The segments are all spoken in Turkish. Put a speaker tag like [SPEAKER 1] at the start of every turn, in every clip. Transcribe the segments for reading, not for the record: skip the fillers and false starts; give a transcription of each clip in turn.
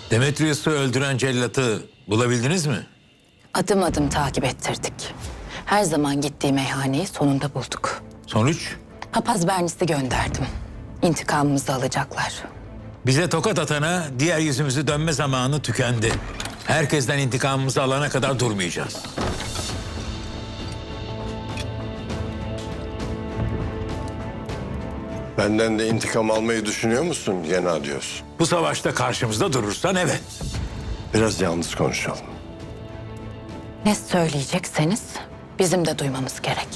[SPEAKER 1] Demetrius'u öldüren cellatı bulabildiniz mi?
[SPEAKER 2] Adım adım takip ettirdik. Her zaman gittiği meyhaneyi sonunda bulduk.
[SPEAKER 1] Sonuç?
[SPEAKER 2] Papaz Bernis'i gönderdim. İntikamımızı alacaklar.
[SPEAKER 1] Bize tokat atana diğer yüzümüzü dönme zamanı tükendi. Herkesten intikamımızı alana kadar durmayacağız.
[SPEAKER 3] Benden de intikam almayı düşünüyor musun Gennadios?
[SPEAKER 1] Bu savaşta karşımızda durursan evet.
[SPEAKER 3] Biraz yalnız konuşalım.
[SPEAKER 2] Ne söyleyecekseniz bizim de duymamız gerek.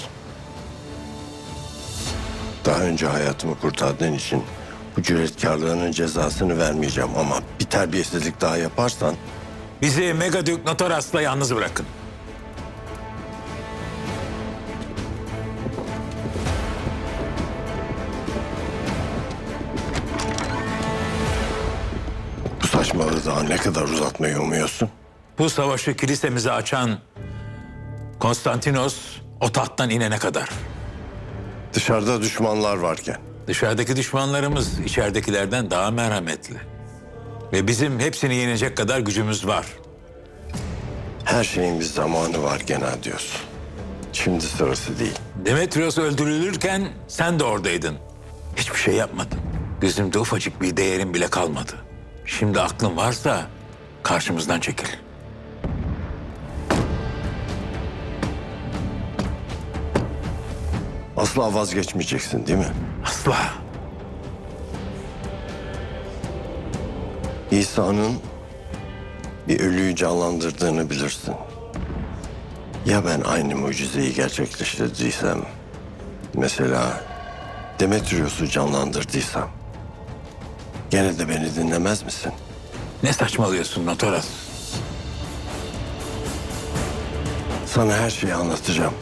[SPEAKER 3] Daha önce hayatımı kurtardığın için bu cüretkarlığının cezasını vermeyeceğim ama bir terbiyesizlik daha yaparsan
[SPEAKER 1] Bizi Megadük Notoras'la yalnız bırakın.
[SPEAKER 3] bu saçmalığı daha ne kadar uzatmayı umuyorsun?
[SPEAKER 1] Bu savaşı kilisemize açan Konstantinos o tahttan inene kadar.
[SPEAKER 3] Dışarıda düşmanlar varken.
[SPEAKER 1] Dışarıdaki düşmanlarımız içeridekilerden daha merhametli. Ve bizim hepsini yenecek kadar gücümüz var.
[SPEAKER 3] Her şeyin bir zamanı var Gennadios. Şimdi sırası değil.
[SPEAKER 1] Demetrios öldürülürken sen de oradaydın. Hiçbir şey yapmadın. Gözümde ufacık bir değerin bile kalmadı. Şimdi aklın varsa karşımızdan çekil.
[SPEAKER 3] Asla vazgeçmeyeceksin değil mi?
[SPEAKER 1] Asla.
[SPEAKER 3] İsa'nın bir ölüyü canlandırdığını bilirsin. Ya ben aynı mucizeyi gerçekleştirdiysem, mesela Demetrius'u canlandırdıysam, gene de beni dinlemez misin?
[SPEAKER 1] Ne saçmalıyorsun Notoras?
[SPEAKER 3] Sana her şeyi anlatacağım.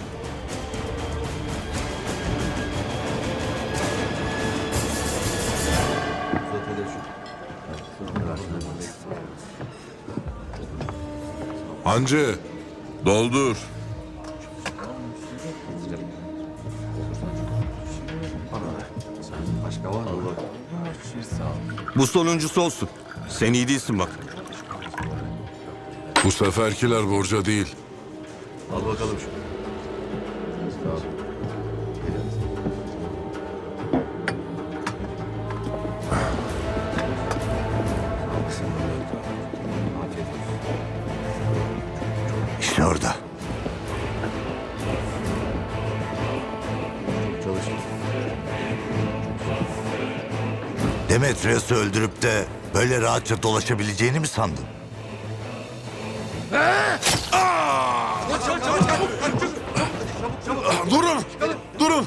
[SPEAKER 4] Hancı, doldur.
[SPEAKER 5] Bu sonuncusu olsun. Sen iyi değilsin bak.
[SPEAKER 4] Bu seferkiler borca değil.
[SPEAKER 3] İşte orada.
[SPEAKER 6] Demetrius'u öldürüp de böyle rahatça dolaşabileceğini mi sandın?
[SPEAKER 4] Durun! Durun!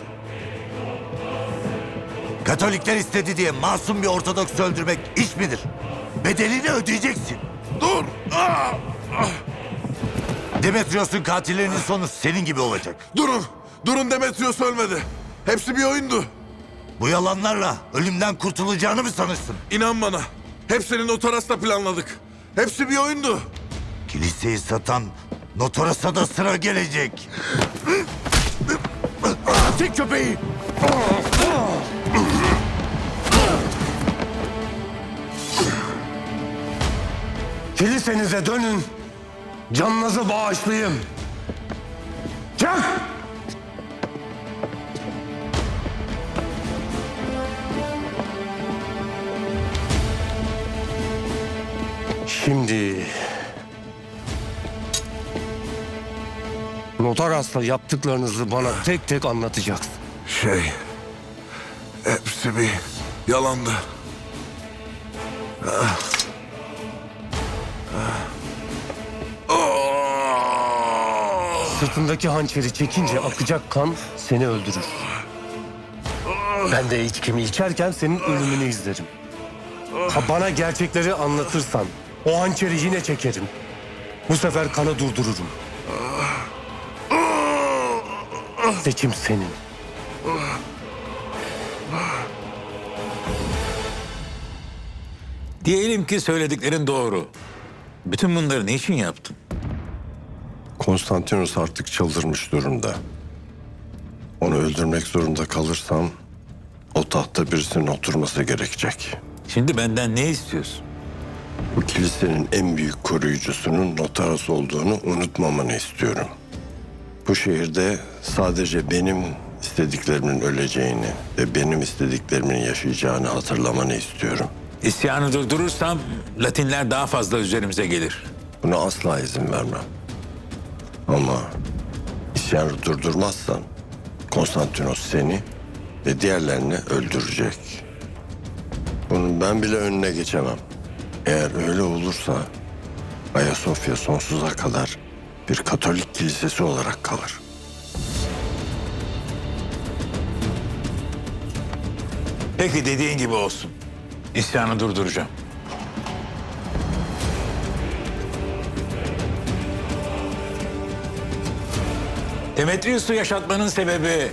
[SPEAKER 6] Katolikler istedi diye masum bir Ortodoks öldürmek iş midir? Bedelini ödeyeceksin.
[SPEAKER 4] Dur!
[SPEAKER 6] Demetrius'un katillerinin sonu senin gibi olacak.
[SPEAKER 4] Durun! Durun, Demetrius ölmedi. Hepsi bir oyundu.
[SPEAKER 6] Bu yalanlarla ölümden kurtulacağını mı sanırsın?
[SPEAKER 4] İnan bana. Hepsini Notoras'la planladık. Hepsi bir oyundu.
[SPEAKER 6] Kiliseyi satan Notoras'a da sıra gelecek. Çek köpeği!
[SPEAKER 7] Kilisenize dönün. Canınızı bağışlayın. Çık! Şimdi Notaras'la yaptıklarınızı bana tek tek anlatacaksın.
[SPEAKER 4] Hepsi bir yalandı.
[SPEAKER 7] Sırtındaki hançeri çekince akacak kan seni öldürür. Ben de içkimi içerken senin ölümünü izlerim. Ha bana gerçekleri anlatırsan o hançeri yine çekerim. Bu sefer kanı durdururum. Seçim senin.
[SPEAKER 1] Diyelim ki söylediklerin doğru. Bütün bunları ne için yaptın?
[SPEAKER 3] Konstantinos artık çıldırmış durumda. Onu öldürmek zorunda kalırsam o tahtta birisinin oturması gerekecek.
[SPEAKER 1] Şimdi benden ne istiyorsun?
[SPEAKER 3] Bu kilisenin en büyük koruyucusunun Notaras olduğunu unutmamanı istiyorum. Bu şehirde sadece benim istediklerimin öleceğini ve benim istediklerimin yaşayacağını hatırlamanı istiyorum.
[SPEAKER 1] İsyanı durdurursam Latinler daha fazla üzerimize gelir.
[SPEAKER 3] Buna asla izin vermem. Ama isyanı durdurmazsan Konstantinos seni ve diğerlerini öldürecek. Bunun ben bile önüne geçemem. Eğer öyle olursa Ayasofya sonsuza kadar bir Katolik kilisesi olarak kalır.
[SPEAKER 1] Peki dediğin gibi olsun. İsyanı durduracağım. Demetrius'u yaşatmanın sebebi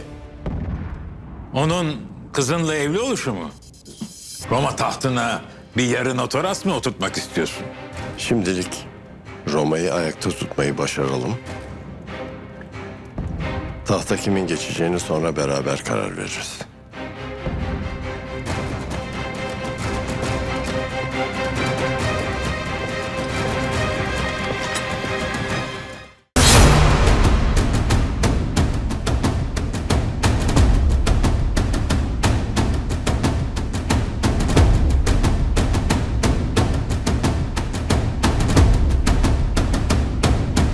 [SPEAKER 1] onun kızınla evli oluşu mu? Roma tahtına bir yarı Notaras mı oturtmak istiyorsun?
[SPEAKER 3] Şimdilik Roma'yı ayakta tutmayı başaralım. Tahta kimin geçeceğini sonra beraber karar veririz.